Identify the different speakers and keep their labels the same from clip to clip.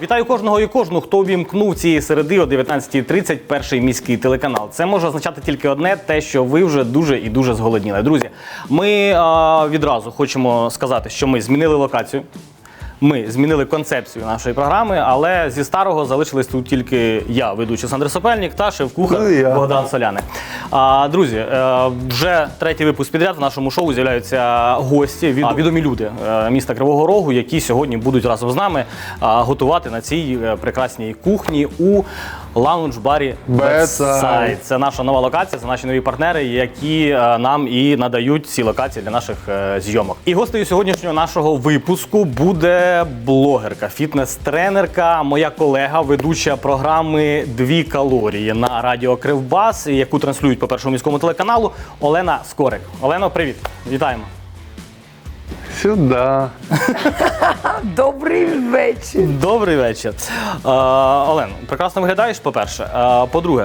Speaker 1: Вітаю кожного і кожну, хто увімкнув цієї середи о 19:30 перший міський телеканал. Це може означати тільки одне, те, що ви вже дуже і дуже зголодніли. Друзі, ми відразу хочемо сказати, що ми змінили локацію. Ми змінили концепцію нашої програми, але зі старого залишились тут тільки я, ведучий Олександр Сопельник, та шеф-кухар Богдан Соляник. Друзі, вже третій випуск підряд в нашому шоу з'являються гості, відомі люди міста Кривого Рогу, які сьогодні будуть разом з нами готувати на цій прекрасній кухні у лаунж-барі Bedside. Це наша нова локація, це наші нові партнери, які нам і надають ці локації для наших зйомок. І гостею сьогоднішнього нашого випуску буде блогерка, фітнес-тренерка, моя колега, ведуча програми «2 калорії» на радіо Кривбас, яку транслюють по Першому міському телеканалу, Олена Скорик. Олено, привіт! Вітаємо!
Speaker 2: Сюди.
Speaker 3: Добрий вечір.
Speaker 1: Добрий вечір. Олен, прекрасно виглядаєш, по-перше. По-друге,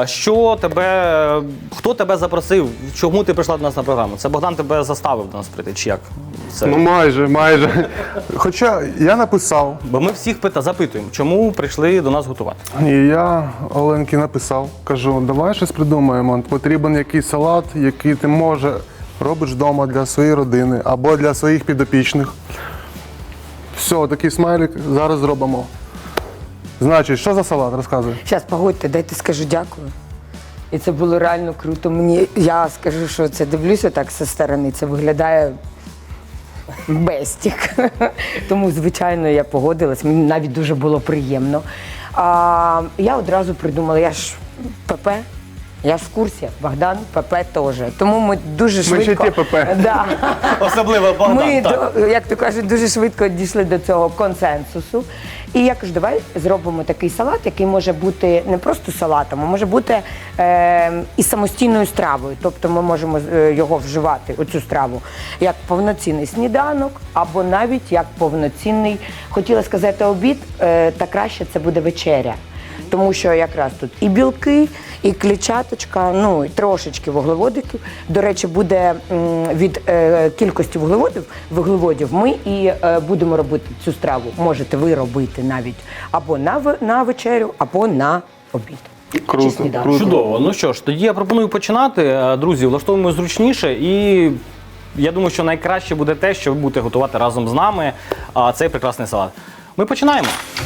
Speaker 1: хто тебе запросив, чому ти прийшла до нас на програму? Це Богдан тебе заставив до нас прийти, чи як? Це...
Speaker 2: Ну майже. Хоча я написав.
Speaker 1: Бо ми всіх запитуємо, чому прийшли до нас готувати.
Speaker 2: І я Оленки написав, кажу, давай щось придумаємо. Потрібен якийсь салат, який ти робиш вдома для своєї родини або для своїх підопічних. Все, такий смайлик зараз зробимо. Значить, що за салат? Розказуй.
Speaker 3: Зараз, погодьте, дайте скажу дякую. І це було реально круто. Я скажу, що це дивлюся так зі сторони, це виглядає бестік. Тому, звичайно, я погодилась, мені навіть дуже було приємно. Я одразу придумала, я ж ПП. Я ж в курсі, Богдан, ПП теж. Тому ми дуже швидко...
Speaker 2: Ми ще ті ПП.
Speaker 3: Да.
Speaker 1: Особливо Богдан,
Speaker 3: Ми,
Speaker 1: так.
Speaker 3: як то кажуть, дуже швидко дійшли до цього консенсусу. І я кажу, давай зробимо такий салат, який може бути не просто салатом, а може бути і самостійною стравою. Тобто ми можемо його вживати, оцю страву, як повноцінний сніданок, або навіть як повноцінний, хотіла сказати, обід, та краще це буде вечеря. Тому що якраз тут і білки, і клітчаточка, ну і трошечки вуглеводиків. До речі, буде від кількості вуглеводів ми і будемо робити цю страву. Можете ви робити навіть або на вечерю, або на обід.
Speaker 2: Круто.
Speaker 1: Чудово. Ну що ж, тоді я пропоную починати. Друзі, влаштовуємо зручніше і я думаю, що найкраще буде те, що ви будете готувати разом з нами цей прекрасний салат. Ми починаємо.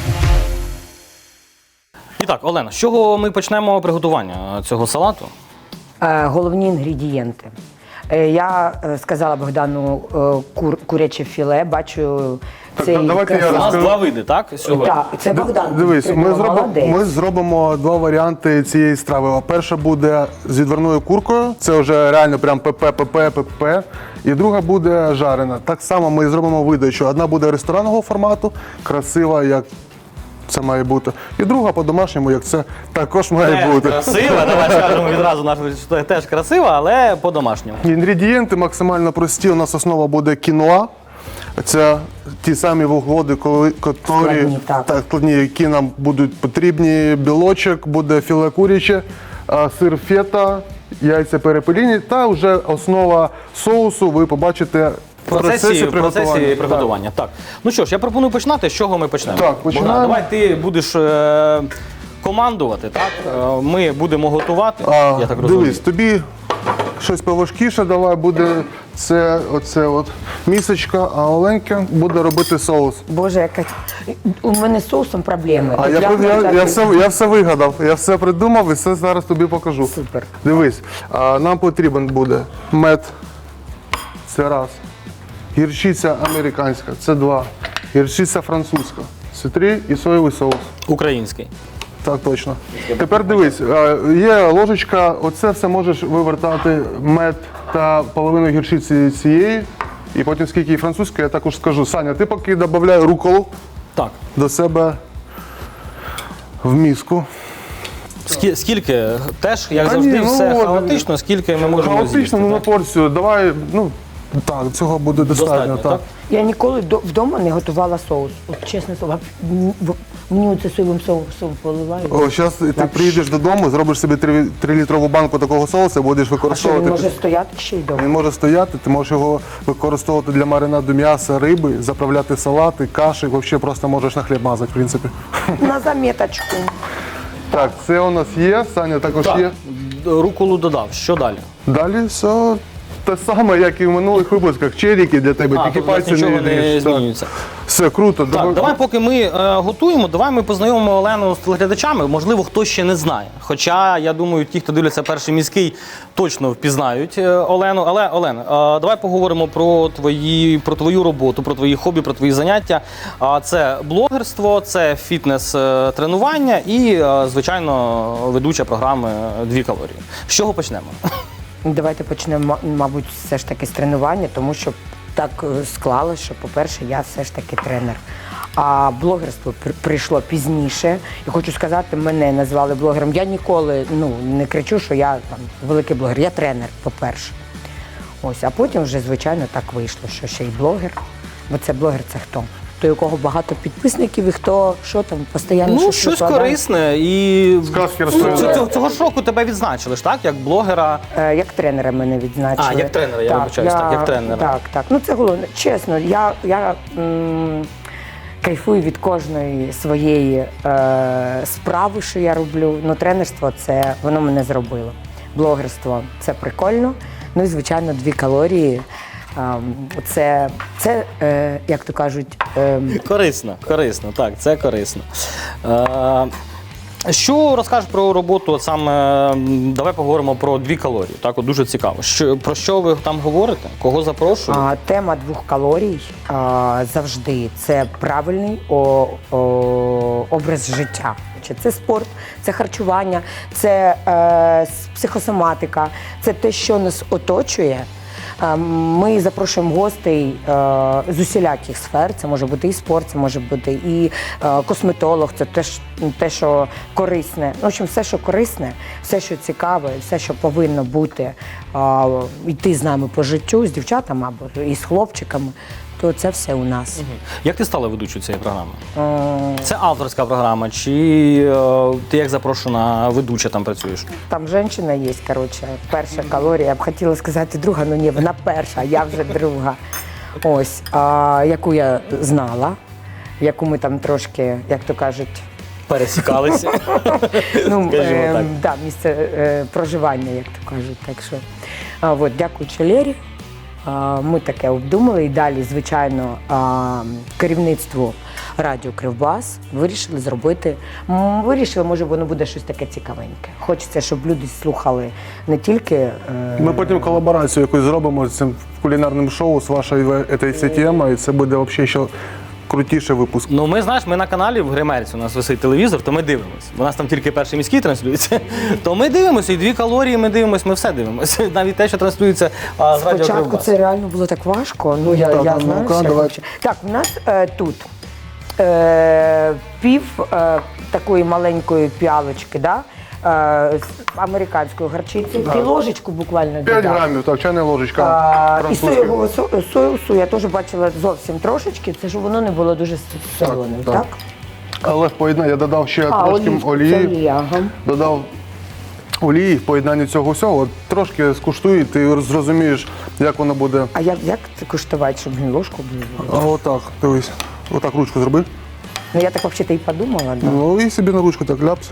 Speaker 1: І так, Олена, з чого ми почнемо приготування цього салату?
Speaker 3: Головні інгредієнти. Я сказала Богдану куряче філе, бачу цей...
Speaker 1: У нас два види, так? Сьогодні?
Speaker 3: Так, це Богдан.
Speaker 2: Дивись, ми зробимо два варіанти цієї страви. Перша буде з відварною куркою, це вже реально прям ПП. І друга буде жарена. Так само ми зробимо видачу. Одна буде ресторанного формату, красива, як це має бути. І друга по-домашньому, як це також має бути.
Speaker 1: Красива, давай скажемо відразу, наша теж красива, але по-домашньому.
Speaker 2: Інгредієнти максимально прості. У нас основа буде кіноа. Це ті самі вуглеводи, складні, які нам будуть потрібні. Білочок, буде філе куряче, сир фета, яйця перепеліні та вже основа соусу ви побачите в процесі
Speaker 1: приготування. Так. Ну що ж, я пропоную починати. З чого ми почнемо?
Speaker 2: Так, починаємо.
Speaker 1: Богдан, давай ти будеш командувати, так? Ми будемо готувати, я так розумію.
Speaker 2: Дивись, тобі щось поважкіше давай, буде оце місочка, а Оленька буде робити соус.
Speaker 3: Bоже, яка... У мене з соусом проблеми.
Speaker 2: А я все вигадав, я все придумав і все зараз тобі покажу.
Speaker 3: Супер.
Speaker 2: Дивись, нам потрібен буде мед, це раз. Гірчиця американська, це два. Гірчиця французька, це три і соєвий соус.
Speaker 1: Український.
Speaker 2: Так, точно. Тепер дивись, є ложечка, оце все можеш вивертати мед та половину гірчиці цієї, і потім скільки і французької, я також скажу. Саня, ти поки додай руколу до себе в миску.
Speaker 1: Скільки? Теж, як завжди, все хаотично, скільки ми можемо з'їсти?
Speaker 2: Хаотично, на порцію. Давай, так, цього буде достатньо. Так.
Speaker 3: Я ніколи вдома не готувала соус. От чесне слово, мені оце соєвим соусом поливають.
Speaker 2: О, зараз ти приїдеш додому, зробиш собі 3-літрову банку такого соусу, будеш
Speaker 3: А що,
Speaker 2: використовувати.
Speaker 3: він може стояти ще й вдома?
Speaker 2: Він може стояти, ти можеш його використовувати для маринаду м'яса, риби, заправляти салати, каші, взагалі просто можеш на хліб мазати, в принципі.
Speaker 3: На заметочку.
Speaker 2: Так, це у нас є, Саня також є.
Speaker 1: Руколу додав. Що далі?
Speaker 2: Далі все те саме, як і в минулих випусках. Черіки для тебе, тільки
Speaker 1: тут у нас
Speaker 2: пальці
Speaker 1: нічого не
Speaker 2: ріж. Так.
Speaker 1: змінюється.
Speaker 2: Все круто.
Speaker 1: Так, давай, поки ми готуємо, давай ми познайомимо Олену з телеглядачами. Можливо, хтось ще не знає. Хоча, я думаю, ті, хто дивляться «Перший міський», точно впізнають Олену. Але, Олен, давай поговоримо про твою роботу, про твої хобі, про твої заняття. Це блогерство, це фітнес-тренування і, звичайно, ведуча програми «2 калорії». З чого почнемо?
Speaker 3: Давайте почнемо, мабуть, все ж таки з тренування, тому що так склалося, що, по-перше, я все ж таки тренер. А блогерство прийшло пізніше. І хочу сказати, мене назвали блогером. Я ніколи не кричу, що я там великий блогер. Я тренер, по-перше. Ось, а потім вже, звичайно, так вийшло, що ще й блогер. Бо це блогер – це хто? Той, у кого багато підписників і хто, що там, постійно
Speaker 1: Щось
Speaker 3: викладає.
Speaker 1: корисне. І
Speaker 2: Сказки розповідає.
Speaker 1: цього ж року тебе відзначили ж, так? Як блогера.
Speaker 3: Як тренера мене відзначили.
Speaker 1: А, як тренера, я вибачаюсь, так, як тренера.
Speaker 3: Так. Це головне. Чесно, я кайфую від кожної своєї справи, що я роблю. Тренерство – воно мене зробило. Блогерство – це прикольно. Ну і, звичайно, 2 калорії. Це як то кажуть…
Speaker 1: Корисно, так, це корисно. Що розкажеш про роботу, от саме, давай поговоримо про 2 калорії, так, от дуже цікаво. Про що ви там говорите? Кого запрошуєте?
Speaker 3: Тема 2 калорій завжди – це правильний образ життя. Це спорт, це харчування, це психосоматика, це те, що нас оточує. Ми запрошуємо гостей з усіляких сфер. Це може бути і спорт, це може бути і косметолог, це теж те, що корисне. В общем, все, що корисне, все, що цікаве, все, що повинно бути, йти з нами по життю, з дівчатами або і з хлопчиками, то це все у нас.
Speaker 1: Як ти стала ведучою цієї програми? Це авторська програма, чи ти як запрошена ведуча там працюєш?
Speaker 3: Там жінка є, коротше, перша калорія. Я б хотіла сказати друга, але ні, вона перша, а я вже друга. Ось, яку я знала, яку ми там трошки, як то кажуть,
Speaker 1: Пересікалися. Скажімо так.
Speaker 3: Да, місце проживання, як то кажуть. Так що, дякуючи Лері, ми таке обдумали і далі, звичайно, керівництво радіо «Кривбас» вирішили зробити. Вирішили, може, воно буде щось таке цікавеньке. Хочеться, щоб люди слухали не тільки…
Speaker 2: Ми потім колаборацію якусь зробимо з цим кулінарним шоу з вашою цією темою, і це буде взагалі ще крутіший випуск.
Speaker 1: Ми на каналі в Гримерці, у нас висить телевізор, то ми дивимося. У нас там тільки «Перший міський» транслюється. То ми дивимося, і 2 калорії ми дивимося, ми все дивимося. Навіть те, що транслюється з радіо
Speaker 3: Спочатку
Speaker 1: «Кривбас».
Speaker 3: це реально було так важко. Я знаю,
Speaker 2: ну-ка,
Speaker 3: що
Speaker 2: давай.
Speaker 3: Так, в нас тут пів такої маленької піалочки, да? З американської гарчиці, і ложечку буквально
Speaker 2: 5
Speaker 3: додав.
Speaker 2: грамів, так, чайна ложечка.
Speaker 3: І
Speaker 2: французька.
Speaker 3: соєвого соусу я теж бачила зовсім трошечки, це ж воно не було дуже солоним,
Speaker 2: так.
Speaker 3: так?
Speaker 2: Але в поєднанні я додав ще трошки
Speaker 3: Це
Speaker 2: олії.
Speaker 3: олія, ага.
Speaker 2: Додав олії в поєднанні цього всього. От трошки скуштуй, і ти зрозумієш, як воно буде.
Speaker 3: А як це куштувати, щоб не ложку було?
Speaker 2: А отак, дивись. Отак ручку зроби.
Speaker 3: Ну я так взагалі і подумала, да.
Speaker 2: Ну і собі на ручку так ляпс.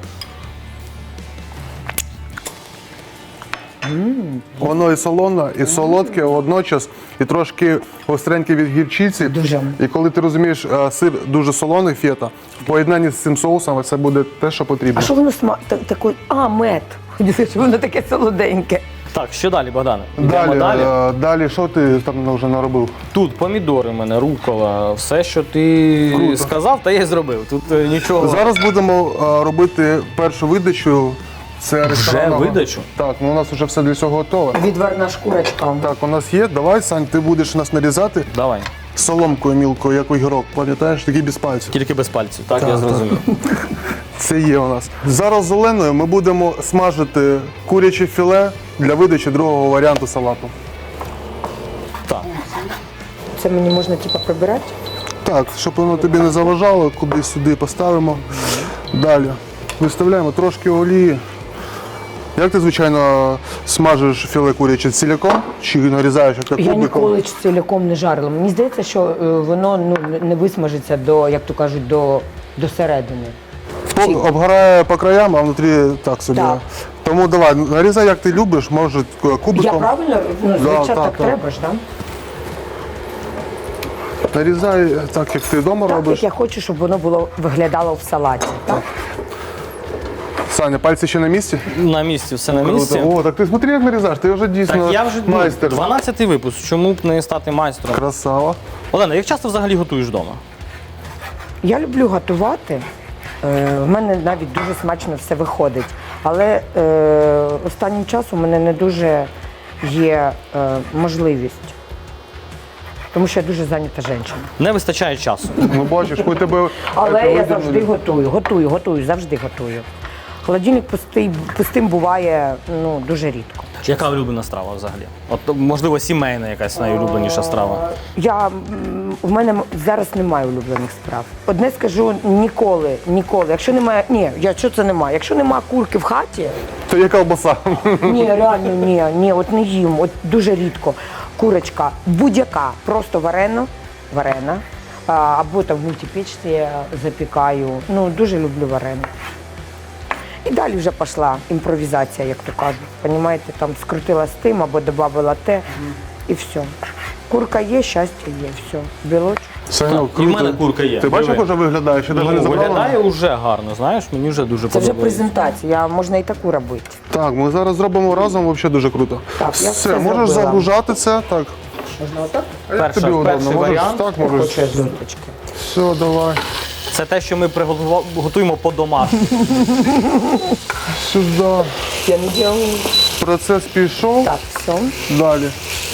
Speaker 2: Воно і солоне, і солодке водночас, і трошки гостреньке від гірчиці.
Speaker 3: Дуже.
Speaker 2: І коли ти розумієш, сир дуже солоний, фета, в поєднанні з цим соусом це буде те, що потрібно.
Speaker 3: А що воно такий? Мед. Хотіла, що воно таке солоденьке.
Speaker 1: Так, що далі, Богдане? Йдемо далі.
Speaker 2: Далі, що ти там вже наробив?
Speaker 1: Тут помідори в мене, рукола, все, що ти сказав, та я й зробив. Тут нічого.
Speaker 2: Зараз будемо робити першу видачу. Це ресторанного.
Speaker 1: видачу?
Speaker 2: Так, у нас вже все для цього готове.
Speaker 3: Відварна шкурочка.
Speaker 2: Так, у нас є. Давай, Сань, ти будеш нас нарізати
Speaker 1: Давай.
Speaker 2: соломкою мілкою, як огірок. Пам'ятаєш, такий без пальців.
Speaker 1: Тільки без пальців, так, я зрозумів.
Speaker 2: Це є у нас. Зараз з Оленою ми будемо смажити куряче філе для видачі другого варіанту салату.
Speaker 1: Так.
Speaker 3: це мені можна типу прибирати?
Speaker 2: Так, щоб воно тобі не заважало, кудись сюди поставимо. Далі. Виставляємо трошки олії. Як ти, звичайно, смажиш філе куряче ціляком чи нарізаєш як
Speaker 3: Я
Speaker 2: кубиком?
Speaker 3: ніколи ціляком не жарила. Мені здається, що воно не висмажиться до, як то кажуть, до середини.
Speaker 2: Обгорає по краям, а внутрі так собі.
Speaker 3: Так.
Speaker 2: Тому давай, нарізай як ти любиш, може кубиком.
Speaker 3: Я правильно? Ну, звичайно,
Speaker 2: так,
Speaker 3: так
Speaker 2: так.
Speaker 3: треба ж, так?
Speaker 2: Нарізай так, як ти вдома
Speaker 3: Так,
Speaker 2: робиш.
Speaker 3: як я хочу, щоб воно виглядало в салаті. Так?
Speaker 2: Саня, пальці ще на місці?
Speaker 1: На місці, все на місці.
Speaker 2: Круто. О, так ти смотри, як нарізаєш, ти вже дійсно
Speaker 1: Так я вже
Speaker 2: майстер.
Speaker 1: 12-й випуск. Чому б не стати майстром?
Speaker 2: Красава.
Speaker 1: Олена, як часто взагалі готуєш вдома?
Speaker 3: Я люблю готувати. В мене навіть дуже смачно все виходить. Але останнім часом у мене не дуже є можливість. Тому що я дуже зайнята жінка.
Speaker 1: Не вистачає часу.
Speaker 2: Ну бачиш, ми тебе.
Speaker 3: Але
Speaker 2: це
Speaker 3: я
Speaker 2: видернули.
Speaker 3: завжди готую, завжди готую. Холодильник пустим буває дуже рідко.
Speaker 1: Яка улюблена страва взагалі? От, можливо, сімейна якась найулюбленіша страва.
Speaker 3: В мене зараз немає улюблених справ. Одне скажу, ніколи. Якщо немає, що це немає? Якщо немає курки в хаті,
Speaker 2: То є ковбаса.
Speaker 3: ні, реально, ні, от не їм, от дуже рідко. Курочка будь-яка, просто варена, або там в мультипечці запікаю. Дуже люблю варену. І далі вже пішла імпровізація, як то кажуть. Понімаєте, там скрутила з тим або додавала те, і все. Курка є, щастя є, все. Білочок.
Speaker 2: Саня,
Speaker 1: І в мене курка є.
Speaker 2: Ти бачиш, як
Speaker 1: Диви.
Speaker 2: вже виглядає? Ще навіть не забрала?
Speaker 1: Виглядає вже гарно, знаєш, мені вже дуже
Speaker 3: Це вже
Speaker 1: подобається.
Speaker 3: презентація, можна і таку робити.
Speaker 2: Так, ми зараз зробимо разом, взагалі дуже круто.
Speaker 3: Так, я
Speaker 2: все,
Speaker 3: все
Speaker 2: можеш
Speaker 3: зробила.
Speaker 2: загружати це. Так.
Speaker 3: Можна отак?
Speaker 2: А як тобі удобно?
Speaker 1: Перший
Speaker 2: Можеш
Speaker 1: варіант.
Speaker 2: так,
Speaker 3: Я
Speaker 2: можеш.
Speaker 3: хочу зонтички.
Speaker 2: Все, давай.
Speaker 1: Це те, що ми готуємо по-домашньому.
Speaker 2: Сюди.
Speaker 3: Я не делаю.
Speaker 2: Процес пішов.
Speaker 3: Так, все.
Speaker 2: Далі.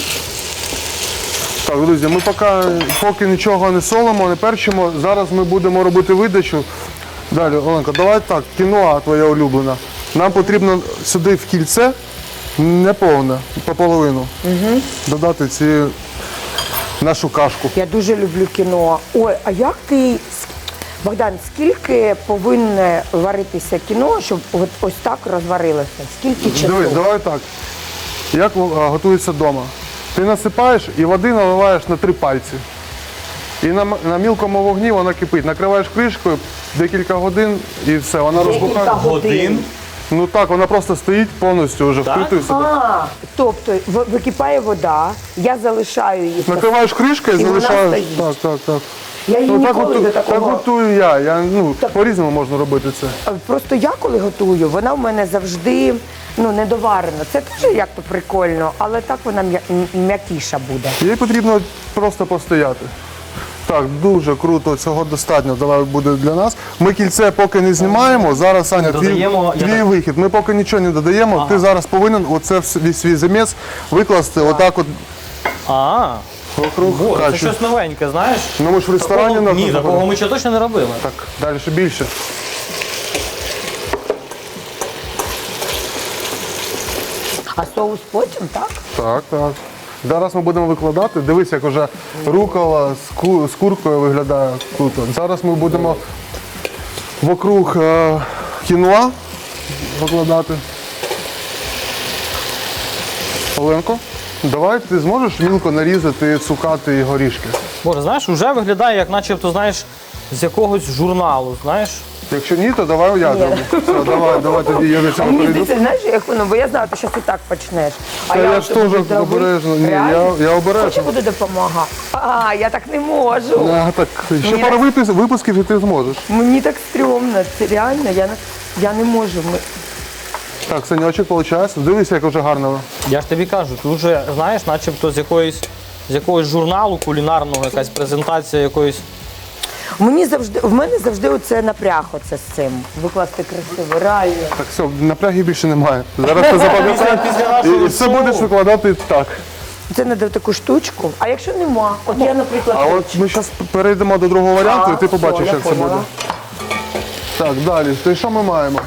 Speaker 2: Так, друзі, ми поки нічого не солимо, не перчимо. Зараз ми будемо робити видачу. Далі, Оленка, давай так, кіноа твоя улюблена. Нам потрібно сюди в кільце, не повне, пополовину, додати нашу кашку.
Speaker 3: Я дуже люблю кіно. Ой, а як ти, Богдан, скільки повинне варитися кіно, щоб ось так розварилося? Скільки часу?
Speaker 2: Дивись, давай так. Як готується вдома? Ти насипаєш і води наливаєш на 3 пальці. І на мілкому вогні вона кипить. Накриваєш кришкою декілька годин і все, вона розбухає.
Speaker 3: Декілька годин?
Speaker 2: Ну так, вона просто стоїть повністю вже вкритою собі.
Speaker 3: Тобто википає вода, я залишаю її.
Speaker 2: Накриваєш кришкою і
Speaker 3: І вона
Speaker 2: залишаєш.
Speaker 3: стоїть.
Speaker 2: Так.
Speaker 3: Я її
Speaker 2: так,
Speaker 3: ніколи до
Speaker 2: так
Speaker 3: такого.
Speaker 2: готую я. По-різному можна робити це.
Speaker 3: Просто я коли готую, вона в мене завжди недоварена. Це теж як-то прикольно, але так вона м'якіша буде.
Speaker 2: Їй потрібно просто постояти. Так, дуже круто, цього достатньо. Давай буде для нас. Ми кільце поки не знімаємо. Зараз, Саня,
Speaker 1: Додаємо,
Speaker 2: твій вихід. Ми поки нічого не додаємо. Ти зараз повинен оце свій заміс викласти отак от вокруг
Speaker 1: Боже, це
Speaker 2: каші.
Speaker 1: щось новеньке, знаєш?
Speaker 2: Ну ми ж в ресторані
Speaker 1: Такого-
Speaker 2: нас
Speaker 1: Ні, такого ми ще точно не робили.
Speaker 2: Так, далі ще більше.
Speaker 3: А соус потім, так?
Speaker 2: Так. Зараз ми будемо викладати. Дивись, як вже рукола з куркою виглядає круто. Зараз ми будемо вокруг кіноа викладати. Оленко, давай ти зможеш мілко нарізати цукати і горішки.
Speaker 1: Боже, знаєш, вже виглядає, як начебто, знаєш, з якогось журналу, знаєш?
Speaker 2: Якщо ні, то давай я зроблю. Все, давай тоді я до
Speaker 3: А
Speaker 2: цього
Speaker 3: мені
Speaker 2: перейду.
Speaker 3: здається, знаєш, як воно, бо я знаю, ти зараз і так почнеш.
Speaker 2: Та я ж теж обережно. Ні, я обережно.
Speaker 3: Хоче буду допомагати. Я так не можу.
Speaker 2: Так, ще
Speaker 3: Ні,
Speaker 2: пару випусків і ти зможеш.
Speaker 3: Мені так стрьомно. Це реально, я не можу.
Speaker 2: Так, Санечок, виходить. Дивись, як вже гарно.
Speaker 1: Я ж тобі кажу, ти вже, знаєш, начебто з якогось журналу кулінарного, якась презентація якоїсь.
Speaker 3: В мене завжди оце напряг оце з цим. Викласти красиво, реально.
Speaker 2: Так, все, напрягів більше немає. Зараз ти запам'ятаєш
Speaker 1: Після нашого
Speaker 2: і все
Speaker 1: шоу.
Speaker 2: будеш викладати так.
Speaker 3: Це треба таку штучку. А якщо нема, от я, наприклад,
Speaker 2: А от ми зараз перейдемо до другого варіанту, і ти побачиш,
Speaker 3: я
Speaker 2: як це
Speaker 3: поняла.
Speaker 2: буде. Так, далі. То що ми маємо?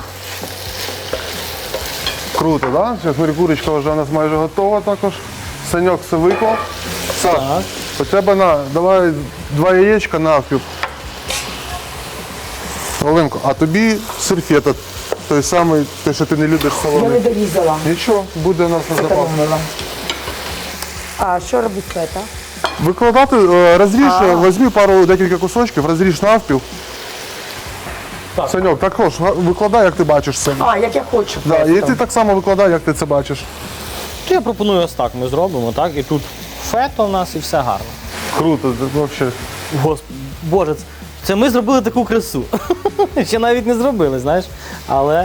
Speaker 2: Круто, так? Да? Зараз курочка вже у нас майже готова також. Саньок все виклав. Саш, У тебе давай 2 яєчка навпіл. Оленко, а тобі сульфета, той самий, той, що ти не любиш
Speaker 3: Я
Speaker 2: солоний.
Speaker 3: не дорізала.
Speaker 2: Нічого, буде у нас на запас.
Speaker 3: Економила. А що робить фета?
Speaker 2: Викладати, розріж, візьми декілька кусочків, розріж навпіл.
Speaker 1: Так.
Speaker 2: Саньок, також викладай, як ти бачиш це.
Speaker 3: А, як я хочу.
Speaker 2: Да, і
Speaker 3: просто.
Speaker 2: ти так само викладай, як ти це бачиш.
Speaker 1: То я пропоную ось так. Ми зробимо, так? І тут фето в нас і все гарно.
Speaker 2: Круто, це взагалі.
Speaker 1: Господи, Боже, це ми зробили таку красу. Ще навіть не зробили, знаєш. Але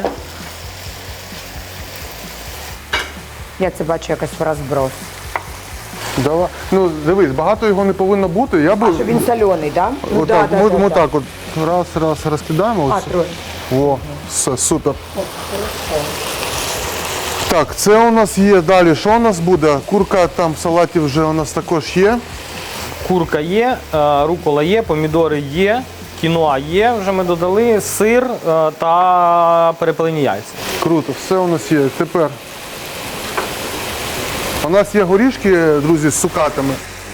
Speaker 3: Я це бачу якось в розброс.
Speaker 2: Давай. Ну, дивись, багато його не повинно бути. Я би
Speaker 3: Що він соляний, так? Да? Ну,
Speaker 2: отак,
Speaker 3: да,
Speaker 2: ми
Speaker 3: да, да.
Speaker 2: так от раз розкидаємо.
Speaker 3: А,
Speaker 2: Ось.
Speaker 3: троє.
Speaker 2: О, все, супер. Так, це у нас є далі. Що у нас буде? Курка там в салаті вже у нас також є.
Speaker 1: курка є, рукола є, помідори є, кіноа є, вже ми додали, сир та перепелені яйця.
Speaker 2: Круто, все у нас є. Тепер у нас є горішки, друзі, з цукатами.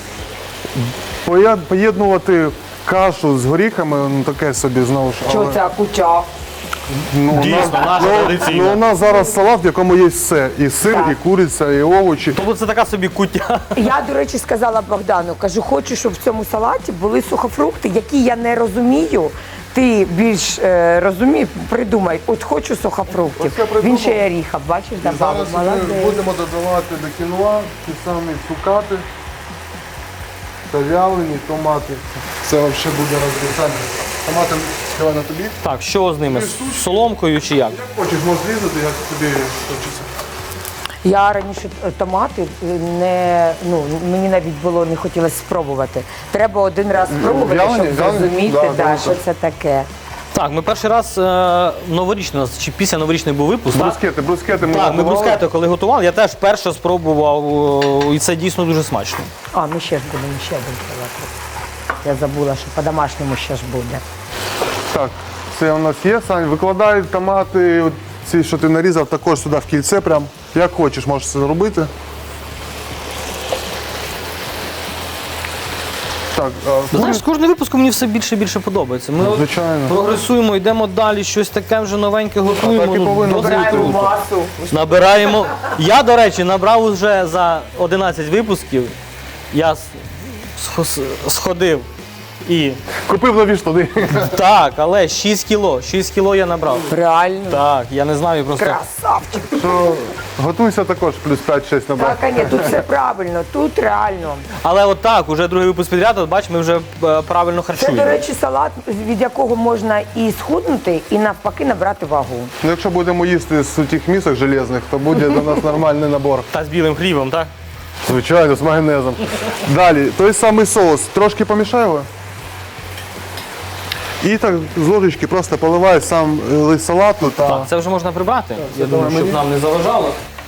Speaker 2: Поєднувати кашу з горіхами, ну таке собі знову ж.
Speaker 3: Що це куча?
Speaker 2: Ну,
Speaker 1: Дійсно, наша традиційна.
Speaker 2: Ну, у нас зараз салат, в якому є все. І сир,
Speaker 3: Так.
Speaker 2: і куриця, і овочі.
Speaker 1: Тобто це така собі куття.
Speaker 3: Я, до речі, сказала Богдану, кажу, хочу, щоб в цьому салаті були сухофрукти, які я не розумію. Ти більш розумій, придумай, от хочу сухофруктів.
Speaker 2: Ось я придумав.
Speaker 3: Він ще й оріха, бачиш, добавив.
Speaker 2: Зараз ми
Speaker 3: Молодець.
Speaker 2: будемо додавати до кіноа ті самі цукати та вялені томати. Це взагалі буде розрізання. Томати давай на тобі.
Speaker 1: Так, що з ними? З соломкою чи як?
Speaker 2: Як хочеш, можеш різати, як тобі хочеться.
Speaker 3: Я раніше томати мені навіть було не хотілося спробувати. Треба один раз спробувати,
Speaker 2: Вялені,
Speaker 3: щоб
Speaker 2: вялені?
Speaker 3: зрозуміти,
Speaker 2: Да,
Speaker 3: да,
Speaker 2: да,
Speaker 3: що
Speaker 2: так.
Speaker 3: це таке.
Speaker 1: Так, ми перший раз новорічно, чи після новорічний був випуск. так?
Speaker 2: Брускети ми
Speaker 1: Так, ми
Speaker 2: готували.
Speaker 1: брускети, коли готували, я теж вперше спробував, і це дійсно дуже смачно.
Speaker 3: А, ми ще ж будемо ще один салат. Я забула, що по-домашньому ще ж буде.
Speaker 2: Так, це у нас є. Сань, викладай томати, от ці, що ти нарізав, також сюди в кільце прям. Як хочеш, можеш це робити. Так,
Speaker 1: Знаєш, з кожним випуском мені все більше і більше подобається. Ми от
Speaker 2: звичайно.
Speaker 1: прогресуємо, йдемо далі, щось таке вже новеньке готуємо.
Speaker 2: так і повинно
Speaker 1: досить
Speaker 2: бути.
Speaker 1: круто.
Speaker 3: масу.
Speaker 1: Набираємо. Я, до речі, набрав вже за 11 випусків. Я сходив і
Speaker 2: Купив нові штани.
Speaker 1: так, але 6 кіло. 6 кіло я набрав.
Speaker 3: Реально.
Speaker 1: Так, я не знаю просто.
Speaker 3: Красавчик.
Speaker 2: Що готуйся також, плюс 5-6 набрав.
Speaker 3: Так, ні, тут все правильно, тут реально.
Speaker 1: Але от так, уже другий випуск підряд, от бач, ми вже правильно
Speaker 3: Це,
Speaker 1: харчуємо.
Speaker 3: до речі, салат, від якого можна і схуднути, і навпаки набрати вагу.
Speaker 2: Ну, якщо будемо їсти з тих місок железних, то буде до нас нормальний набор.
Speaker 1: Та з білим хлібом, так?
Speaker 2: Звичайно, з майонезом. Далі, той самий соус. Трошки помішай його. І так з ложечки просто поливай сам лист салату та
Speaker 1: Так, це вже можна прибрати. Я думаю,
Speaker 2: давай
Speaker 1: щоб
Speaker 2: мені.
Speaker 1: нам не заважало.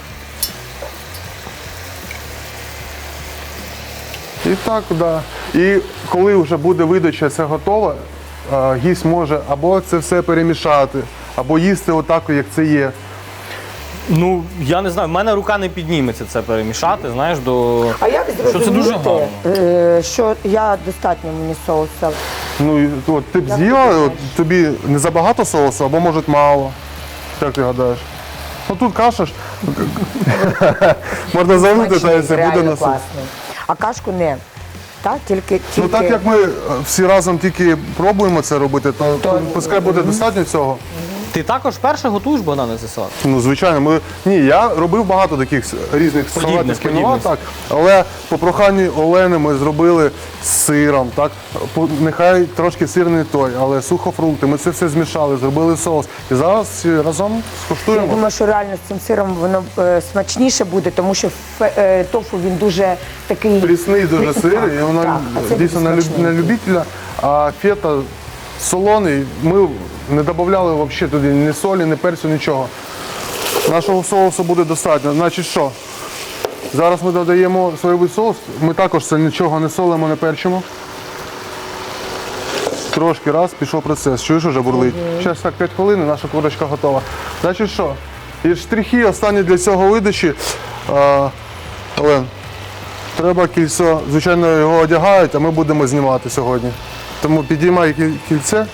Speaker 2: І так, да. І коли вже буде видача це готова, гість може або це все перемішати, або їсти отак, як це є.
Speaker 1: Ну, я не знаю, в мене рука не підніметься це перемішати, знаєш, до.
Speaker 3: А як
Speaker 1: Що це дуже
Speaker 3: зрозуміти,
Speaker 1: гарно.
Speaker 3: що я достатньо мені соуса?
Speaker 2: Ну, і от, ти б з'їла, от, тобі не забагато соусу, або може мало. Як ти гадаєш? Ну тут каша ж. Можна залити, та
Speaker 3: Смачний,
Speaker 2: це буде
Speaker 3: реально
Speaker 2: на суп.
Speaker 3: класний. А кашку не. Так, тільки.
Speaker 2: Ну так як ми всі разом тільки пробуємо це робити, то пускай буде достатньо цього.
Speaker 1: Ти також перше готуєш, Богдане, цей салат?
Speaker 2: Ну, звичайно, я робив багато таких різних салатів кіноа,
Speaker 1: подібних.
Speaker 2: так. Але по проханню Олени ми зробили з сиром, так. Нехай трошки сир не той, але сухофрукти. Ми це все змішали, зробили соус. І зараз всі разом
Speaker 3: Я
Speaker 2: скуштуємо.
Speaker 3: думаю, що реально з цим сиром воно смачніше буде, тому що тофу він дуже такий.
Speaker 2: Прісний дуже сир,
Speaker 3: Так,
Speaker 2: і воно
Speaker 3: так, а це
Speaker 2: дійсно
Speaker 3: дуже смачний.
Speaker 2: на любителя. А фета солоний, ми не додавали взагалі туди ні солі, ні перцю, нічого. Нашого соусу буде достатньо. Значить що? Зараз ми додаємо соєвий соус. Ми також це нічого не солимо, не перчимо. Трошки раз, пішов процес. Чуєш, вже бурлить. Зараз так 5 хвилин і наша курочка готова. Значить що? І штрихи останні для цього видачі. Олен, Треба кільцо, звичайно, його одягають, а ми будемо знімати сьогодні. Тому підіймай кільце.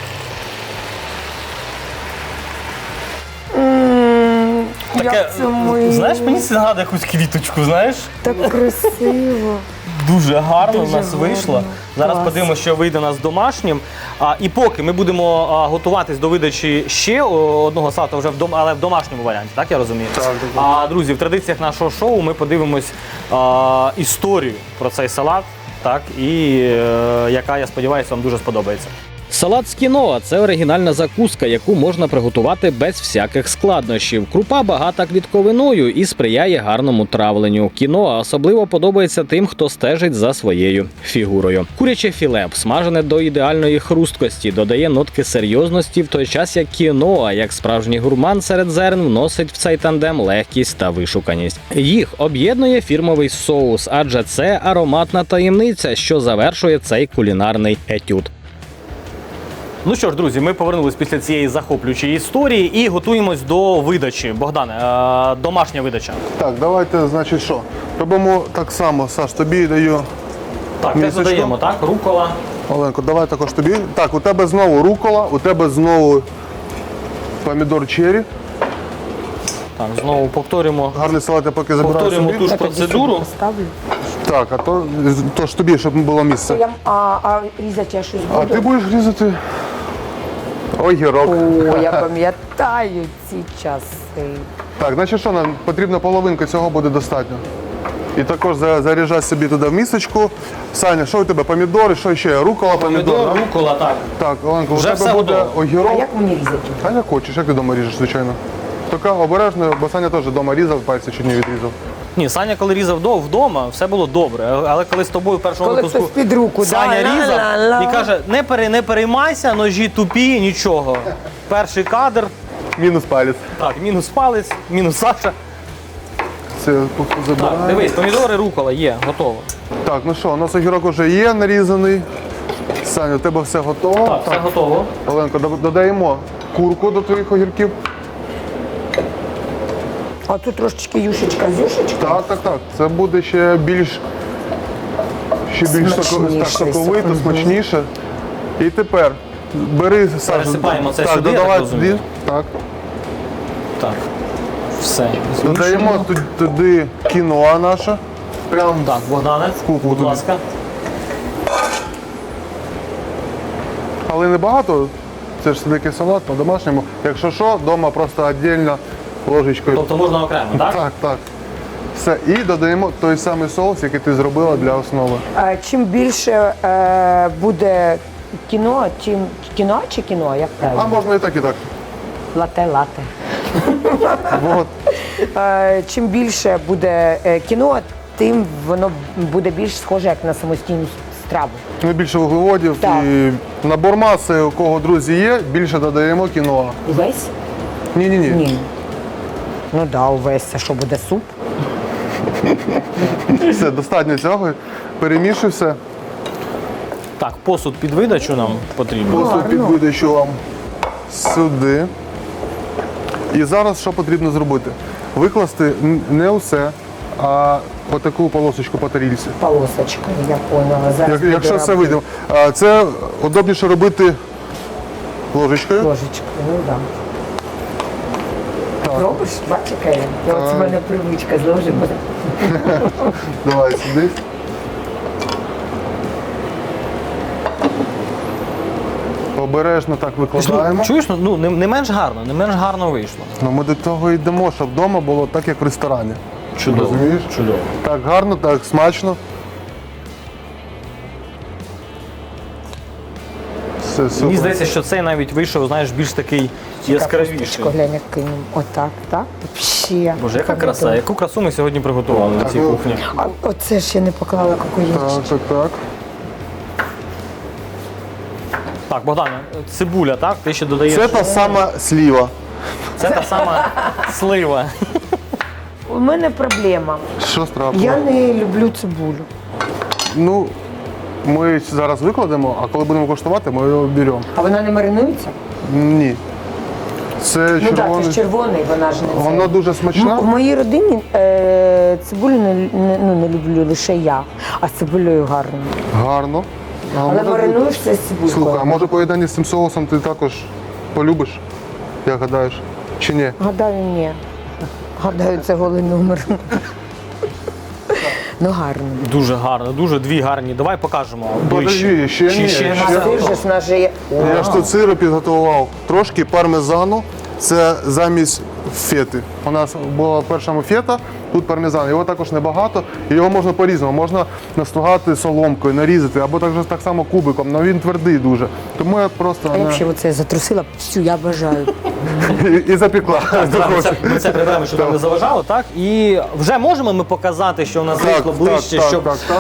Speaker 3: Як це ми?
Speaker 1: Знаєш, мені це нагадує якусь квіточку, знаєш?
Speaker 3: Так красиво.
Speaker 1: Дуже гарно
Speaker 3: Дуже
Speaker 1: в нас вийшло.
Speaker 3: гарно.
Speaker 1: Зараз
Speaker 3: Клас.
Speaker 1: подивимося, що вийде у нас домашнім. І поки ми будемо готуватись до видачі ще одного салату, вже але в домашньому варіанті, так я розумію?
Speaker 2: Так.
Speaker 1: А друзі, в традиціях нашого шоу ми подивимось історію про цей салат, так, і яка, я сподіваюся, вам дуже сподобається. Салат з кіноа – це оригінальна закуска, яку можна приготувати без всяких складнощів. Крупа багата клітковиною і сприяє гарному травленню. Кіноа особливо подобається тим, хто стежить за своєю фігурою. Куряче філе, смажене до ідеальної хрусткості, додає нотки серйозності, в той час як кіноа, як справжній гурман серед зерн, вносить в цей тандем легкість та вишуканість. Їх об'єднує фірмовий соус, адже це ароматна таємниця, що завершує цей кулінарний етюд. Ну що ж, друзі, ми повернулись після цієї захоплюючої історії і готуємось до видачі. Богдане, домашня видача.
Speaker 2: Так, давайте, значить, що? Робимо так само, Саш, тобі даю.
Speaker 1: Так, теж
Speaker 2: Місочку.
Speaker 1: додаємо, так? Рукола.
Speaker 2: Оленко, давай також тобі. Так, у тебе знову рукола, у тебе знову помідор черрі.
Speaker 1: Так, знову повторюємо.
Speaker 2: Гарний салат я поки забираю
Speaker 1: Повторюємо
Speaker 2: собі.
Speaker 1: ту ж
Speaker 3: Я тоді
Speaker 1: процедуру.
Speaker 3: сюди поставлю.
Speaker 2: Так, то ж тобі, щоб було місце.
Speaker 3: А різати я щось
Speaker 2: А
Speaker 3: буду?
Speaker 2: ти будеш різати огірок.
Speaker 3: О, я пам'ятаю ці часи.
Speaker 2: Так, значить що, нам потрібна половинка, цього буде достатньо. І також заряджай собі туди в місочку. Саня, що у тебе? Помідори, що ще? Рукола, помідор.
Speaker 1: Помідор,
Speaker 2: да?
Speaker 1: рукола, так.
Speaker 2: Так, Оленко, у
Speaker 1: Вже
Speaker 2: тебе
Speaker 1: все
Speaker 2: буде
Speaker 1: готово.
Speaker 3: А
Speaker 2: огірок.
Speaker 3: як мені різати?
Speaker 2: А як хочеш, як ти вдома ріжеш, звичайно. Така обережно, бо Саня теж вдома різав, пальці чуть не відрізав.
Speaker 1: Ні, Саня, коли різав вдома, все було добре. Але коли з тобою в першому
Speaker 3: Коли
Speaker 1: випуску
Speaker 3: хтось під руку,
Speaker 1: Саня
Speaker 3: да,
Speaker 1: різав
Speaker 3: ла-ла-ла.
Speaker 1: і каже, не переймайся, ножі тупі, нічого. Перший кадр,
Speaker 2: Мінус палець.
Speaker 1: так, мінус палець, мінус Саша.
Speaker 2: Це
Speaker 1: Так,
Speaker 2: забираємо.
Speaker 1: дивись, помідори, рукола є, готово.
Speaker 2: Так, ну що, у нас огірок вже є нарізаний. Саня, у тебе все готово.
Speaker 1: Так, все готово.
Speaker 2: Оленко, додаємо курку до твоїх огірків.
Speaker 3: А тут трошечки юшечка з юшечкою.
Speaker 2: Так. Це буде ще більш
Speaker 3: Смачніше,
Speaker 2: соковито,
Speaker 3: мгм.
Speaker 2: смачніше. І тепер бери, Саша.
Speaker 1: Пересипаємо це
Speaker 2: так,
Speaker 1: сюди, я
Speaker 2: додавай
Speaker 1: так розумію?
Speaker 2: сюди. Так.
Speaker 1: Так, все.
Speaker 2: Додаємо туди кіноа наше. Прям
Speaker 1: Так, Богдане,
Speaker 2: кухню
Speaker 1: будь
Speaker 2: туди.
Speaker 1: ласка.
Speaker 2: Але не багато. Це ж все-таки салат по-домашньому. Якщо що, вдома просто віддільно ложечкою.
Speaker 1: Тобто можна окремо, так?
Speaker 2: Так. Все. І додаємо той самий соус, який ти зробила для основи.
Speaker 3: Чим більше буде кіно, чим кіно чи кіно, як
Speaker 2: А
Speaker 3: правильно?
Speaker 2: можна і так, і так.
Speaker 3: Лате.
Speaker 2: От.
Speaker 3: Чим більше буде кіно, тим воно буде більш схоже як на самостійну страву.
Speaker 2: Ну, більше вуглеводів
Speaker 3: Так.
Speaker 2: і набор маси, у кого друзі є, більше додаємо кіноа.
Speaker 3: Увесь?
Speaker 2: Ні.
Speaker 3: Ні. Ну да, увесь. А що буде суп?
Speaker 2: Все, достатньо цього. Перемішуй все.
Speaker 1: Так, посуд під видачу нам потрібен.
Speaker 2: Посуд під видачу вам сюди. І зараз що потрібно зробити? Викласти не усе, а отаку полосочку по тарілці.
Speaker 3: Полосочка, я поняла. Зараз буду
Speaker 2: Якщо все
Speaker 3: робити.
Speaker 2: вийде. Це удобніше робити ложечкою.
Speaker 3: Ложечкою, ну так. Да. Робиш? Бачиш, яка я? От в мене привичка з ложем.
Speaker 2: Давай сюди. Обережно так викладаємо.
Speaker 1: Чуєш, ну не менш гарно вийшло.
Speaker 2: Ну, ми до того йдемо, щоб вдома було так, як в ресторані.
Speaker 1: Чудово.
Speaker 2: Розумієш?
Speaker 1: Чудово.
Speaker 2: Так гарно, так смачно. Все
Speaker 1: Мені
Speaker 2: супер.
Speaker 1: здається, що цей навіть вийшов, знаєш, більш такий яскравіший.
Speaker 3: Капусточку, глянь, як кинемо. Отак, так? Вообще.
Speaker 1: Боже, яка краса, яку красу ми сьогодні приготували на цій
Speaker 2: ну,
Speaker 1: кухні.
Speaker 3: А оце ще не поклала кокоївчик.
Speaker 2: Так.
Speaker 1: Так, Богдане, цибуля, так? Ти ще додаєш.
Speaker 2: Це та сама сліва.
Speaker 1: Це та сама слива.
Speaker 3: У мене проблема.
Speaker 2: Що страшно?
Speaker 3: Я не люблю цибулю.
Speaker 2: Ну, ми зараз викладемо, а коли будемо коштувати, ми його беремо.
Speaker 3: А вона не маринується?
Speaker 2: Ні. Це
Speaker 3: Ну так, це
Speaker 2: червоний.
Speaker 3: ж червоний, вона ж не це.
Speaker 2: Воно дуже смачне.
Speaker 3: В моїй родині цибулю не люблю лише я, а з цибулею гарно.
Speaker 2: Гарно. А
Speaker 3: Але
Speaker 2: може
Speaker 3: маринуєш все з цибулькою.
Speaker 2: Слухай, а може поєднання з цим соусом ти також полюбиш, як гадаєш? Чи ні?
Speaker 3: Гадаю, ні. Гадаю, це голий номер. Ну гарно.
Speaker 1: Дуже гарно, дуже дві гарні. Давай покажемо.
Speaker 2: Подожди,
Speaker 1: ближче.
Speaker 2: ще ні.
Speaker 3: А сир же ж наш є.
Speaker 2: Я ж тут сиру підготував. Трошки пармезану. Це замість фети. У нас була в першому фета, тут пармезан. Його також небагато, і його можна по-різному. Можна настругати соломкою, нарізати, або так само кубиком, але він твердий дуже. Тому я просто
Speaker 3: А я взагалі оце затрусила, всю, я бажаю.
Speaker 2: і запекла.
Speaker 1: Ми це приберемо, щоб нам не заважало, так? І вже можемо ми показати, що у нас
Speaker 2: Так,
Speaker 1: вийшло ближче,
Speaker 2: так,
Speaker 1: щоб.
Speaker 2: так, так.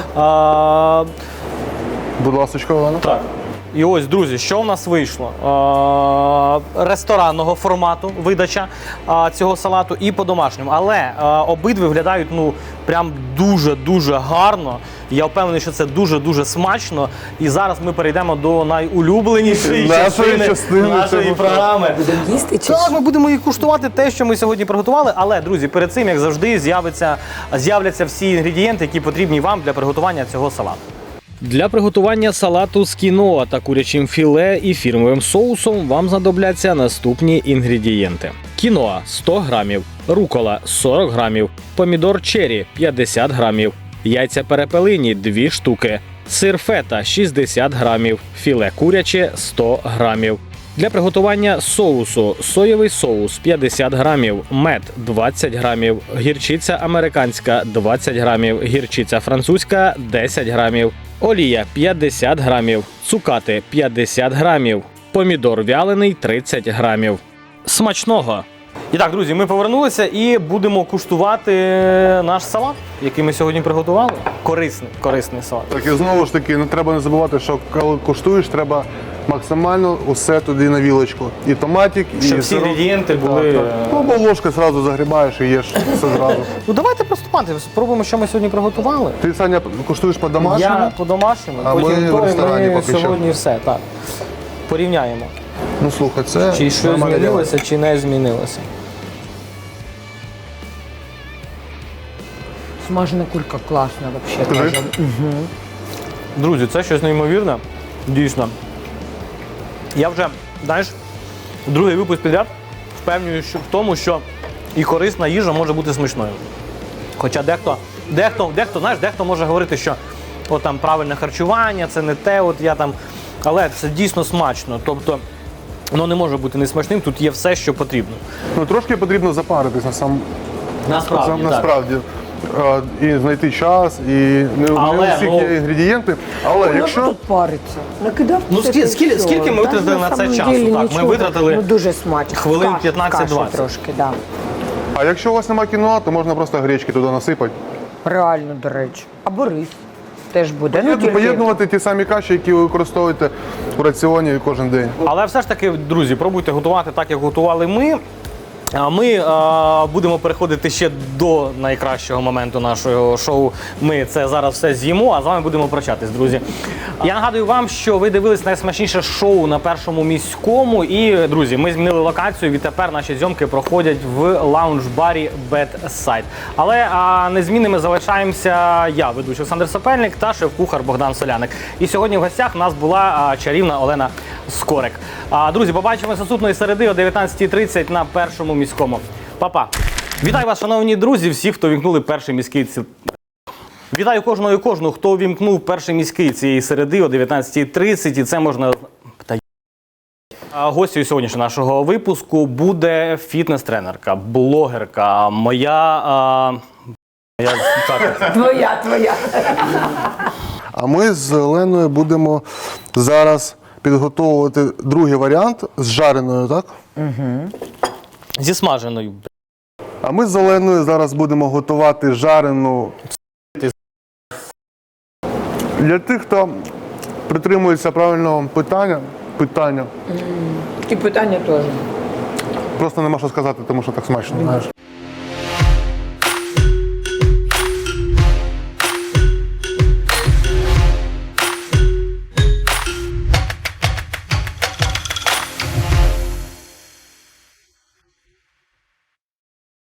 Speaker 2: Будь ласка, Олена.
Speaker 1: Так. І ось, друзі, що в нас вийшло? Ресторанного формату видача цього салату і по-домашньому. Але обидві виглядають прям дуже-дуже гарно. Я впевнений, що це дуже-дуже смачно. І зараз ми перейдемо до найулюбленішої частини нашої
Speaker 2: цього
Speaker 1: програми.
Speaker 3: Будемо їсти чи
Speaker 1: Так, ми будемо і куштувати те, що ми сьогодні приготували. Але, друзі, перед цим, як завжди, з'являться всі інгредієнти, які потрібні вам для приготування цього салату. Для приготування салату з кіноа та курячим філе і фірмовим соусом вам знадобляться наступні інгредієнти: кіноа 100 грамів, рукола 40 грамів, помідор черрі 50 грамів, яйця перепелині 2 штуки, сир фета 60 грамів, філе куряче 100 грамів. Для приготування соусу: соєвий соус 50 грамів, мед 20 грамів, гірчиця американська 20 грамів, гірчиця французька 10 грамів, олія 50 грамів, цукати 50 грамів, помідор вялений 30 грамів. Смачного! І так, друзі, ми повернулися і будемо куштувати наш салат, який ми сьогодні приготували. Корисний салат.
Speaker 2: Так, і знову ж таки, не треба не забувати, що коли куштуєш, треба максимально усе туди на вілочку. І томатик, і
Speaker 1: Щоб всі
Speaker 2: сироп.
Speaker 1: інгредієнти були.
Speaker 2: Так, так. Ну, бо ложкою одразу загрібаєш і їш все зразу.
Speaker 1: Ну давайте приступати, спробуємо, що ми сьогодні приготували.
Speaker 2: Ти, Саня, куштуєш по-домашньому?
Speaker 1: Я по-домашньому,
Speaker 2: А
Speaker 1: потім
Speaker 2: ми в
Speaker 1: то, і
Speaker 2: ресторані
Speaker 1: ми
Speaker 2: поки що.
Speaker 1: сьогодні все. Так. Порівняємо.
Speaker 2: Ну, слухай, це
Speaker 1: Чи щось
Speaker 2: нормальне діло.
Speaker 1: змінилося, чи не змінилося.
Speaker 3: смажена кулька класна взагалі.
Speaker 2: Скажи.
Speaker 1: Друзі, це щось неймовірне. Дійсно. Я вже, знаєш, другий випуск підряд впевнюю в тому, що і корисна їжа може бути смачною. Хоча дехто може говорити, що от там правильне харчування, це не те, от я там. Але це дійсно смачно. Тобто воно не може бути несмачним, тут є все, що потрібно.
Speaker 2: Ну, трошки потрібно запаритись насправді. І знайти час, і не у всіх є інгредієнти. Але якщо
Speaker 3: тут париться. Накидав
Speaker 1: Ну,
Speaker 3: все, та
Speaker 1: скільки
Speaker 3: все.
Speaker 1: ми витратили
Speaker 3: Та,
Speaker 1: на це
Speaker 3: самом
Speaker 1: часу?
Speaker 3: деле
Speaker 1: Так, ми
Speaker 3: нічого.
Speaker 1: витратили
Speaker 3: Ну, дуже смачно.
Speaker 1: хвилин
Speaker 3: Каші
Speaker 1: 15-20.
Speaker 3: трошки, да.
Speaker 2: А якщо у вас немає кіноа, то можна просто гречки туди насипати.
Speaker 3: Реально, до речі. Або рис теж буде. Ну, тільки-
Speaker 2: Поєднувати ті самі каші, які ви використовуєте в раціоні кожен день.
Speaker 1: Але все ж таки, друзі, пробуйте готувати так, як готували ми. А ми будемо переходити ще до найкращого моменту нашого шоу. Ми це зараз все з'їмо, а з вами будемо прощатись, друзі. Я нагадую вам, що ви дивились найсмачніше шоу на Першому міському. І, друзі, ми змінили локацію. Відтепер наші зйомки проходять в лаунж-барі Bedside. Але незмінними залишаємося я, ведучий Олександр Сапельник, та шеф-кухар Богдан Соляник. І сьогодні в гостях в нас була чарівна Олена Скорик. Друзі, побачимося наступної середи о 19:30 на Першому міському. Па-па! Вітаю вас, шановні друзі, всі, хто вімкнули перший міський. Вітаю кожного і кожну, хто увімкнув перший міський цієї середи о 19:30. І це можна. Гостю сьогоднішнього нашого випуску буде фітнес-тренерка, блогерка,
Speaker 3: Твоя.
Speaker 2: А ми з Оленою будемо зараз підготовувати другий варіант з жареною, так?
Speaker 1: зі смаженою.
Speaker 2: А ми з Оленою зараз будемо готувати жарену. Для тих, хто притримується правильного питання,
Speaker 3: І питання теж.
Speaker 2: просто нема що сказати, тому що так смачно. Знаєш.